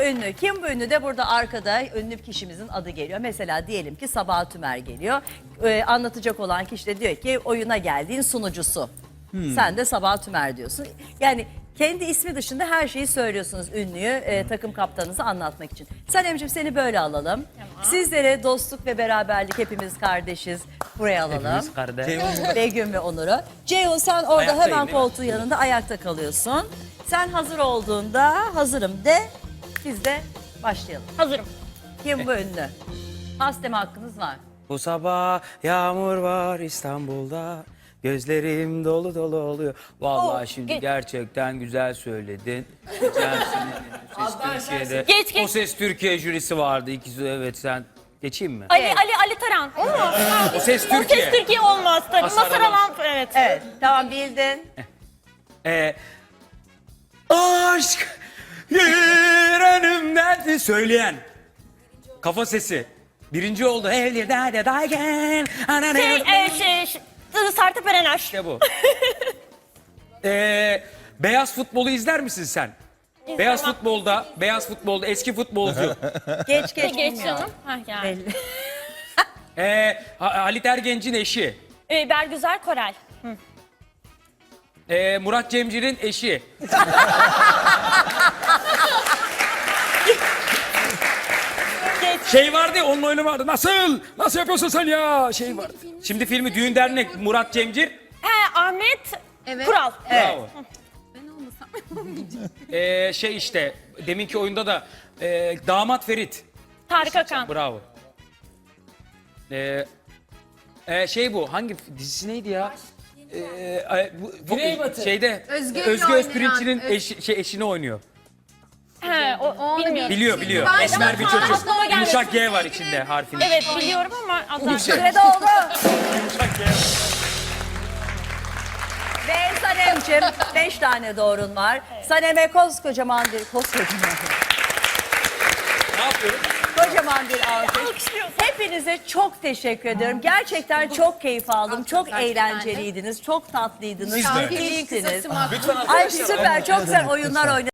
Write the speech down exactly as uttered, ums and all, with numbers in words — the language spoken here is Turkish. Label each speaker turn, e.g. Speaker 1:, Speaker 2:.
Speaker 1: ünlü. Kim bu ünlü de burada arkada ünlü kişimizin adı geliyor. Mesela diyelim ki Sabah Tümer geliyor. Ee, anlatacak olan kişi de diyor ki oyuna geldiğin sunucusu. Hmm. Sen de Sabah Tümer diyorsun. Yani kendi ismi dışında her şeyi söylüyorsunuz ünlüyü e, takım kaptanınızı anlatmak için. Sanemciğim seni böyle alalım. Tamam. Sizlere dostluk ve beraberlik, hepimiz kardeşiz. Buraya alalım.
Speaker 2: Hepimiz kardeş.
Speaker 1: Begüm ve Onur'u. Ceyhun sen orada
Speaker 2: Ayaktayım,
Speaker 1: hemen
Speaker 2: değil mi?
Speaker 1: koltuğun yanında ayakta kalıyorsun. Sen hazır olduğunda hazırım de biz de başlayalım.
Speaker 3: Hazırım.
Speaker 1: Kim bu ünlü? Pas deme hakkınız var.
Speaker 2: Bu sabah yağmur var İstanbul'da. Gözlerim dolu dolu oluyor. Vallahi
Speaker 1: Oh,
Speaker 2: şimdi
Speaker 3: geç.
Speaker 2: gerçekten güzel söyledin. Geçen sene O Ses Türkiye'de
Speaker 3: Geç, geç.
Speaker 2: O Ses Türkiye jürisi vardı. İkisi evet sen geçeyim mi?
Speaker 3: Ali
Speaker 1: Evet.
Speaker 3: Ali Ali Taran. Olmaz.
Speaker 2: O Ses
Speaker 3: O
Speaker 2: Türkiye.
Speaker 3: ses Türkiye olmaz tabii.
Speaker 2: Masar
Speaker 3: Masar
Speaker 2: Alan.
Speaker 3: Alan evet.
Speaker 1: Evet tamam bildin.
Speaker 2: Ee, aşk bir önümden söyleyen. Kafa sesi. Birinci oldu. Evli dade daygen.
Speaker 3: Şey, e, şey, şey Sertab Erener.
Speaker 2: İşte bu. ee, beyaz futbolu izler misin sen?
Speaker 3: İzlemem.
Speaker 2: Beyaz futbolda, beyaz futbolda eski futbolcu.
Speaker 1: Geç geç.
Speaker 3: Geç
Speaker 1: bilmiyor.
Speaker 3: canım. Hah yani.
Speaker 1: Belli.
Speaker 2: ee, Ha- Halit Ergenç'in eşi.
Speaker 3: Ee, Bergüzar Korel.
Speaker 2: Ee, Murat Cemcir'in eşi.
Speaker 3: Geç.
Speaker 2: Şey vardı ya, onun oyunu vardı. Nasıl? Nasıl yapıyorsun sen ya? Şey vardı. Şimdi filmi Düğün Dernek, Murat Cemcir.
Speaker 3: He, Ahmet Kural.
Speaker 2: Bravo. Ee, şey işte, deminki oyunda da e, Damat Ferit.
Speaker 3: Tarık Akan.
Speaker 2: Bravo. Ee, e, şey bu, hangi dizisi neydi ya? Ee, e, bu, bu, şeyde
Speaker 4: Özgür'le
Speaker 2: Özgür
Speaker 4: oynayan,
Speaker 2: Özpirinç'in
Speaker 4: Öz-
Speaker 2: eşi, şey, eşini oynuyor.
Speaker 3: He, o,
Speaker 4: Onu
Speaker 3: bilmiyorum.
Speaker 2: Biliyor biliyor.
Speaker 4: Ben-
Speaker 2: Esmer bir
Speaker 3: Ama
Speaker 2: çocuk.
Speaker 3: aklıma gelmedi.
Speaker 2: Yumuşak G var içinde harfinin.
Speaker 3: Evet biliyorum ama adlar.
Speaker 1: Sürede oldu.
Speaker 2: Yumuşak G var.
Speaker 1: Ve Sanemciğim beş tane doğrun var. Sanem'e koskocaman bir koskocaman.
Speaker 2: Ne yapıyoruz?
Speaker 1: Kocaman bir alkış.
Speaker 3: Alkışlıyoruz.
Speaker 1: Hepinize çok teşekkür ediyorum. Gerçekten çok keyif aldım. Çok eğlenceliydiniz. Çok tatlıydınız.
Speaker 2: Siz de.
Speaker 1: Keyiflisiniz.
Speaker 4: Kısası mı?
Speaker 2: Lütfen
Speaker 1: Ay süper. Çok güzel oyunlar oynadınız.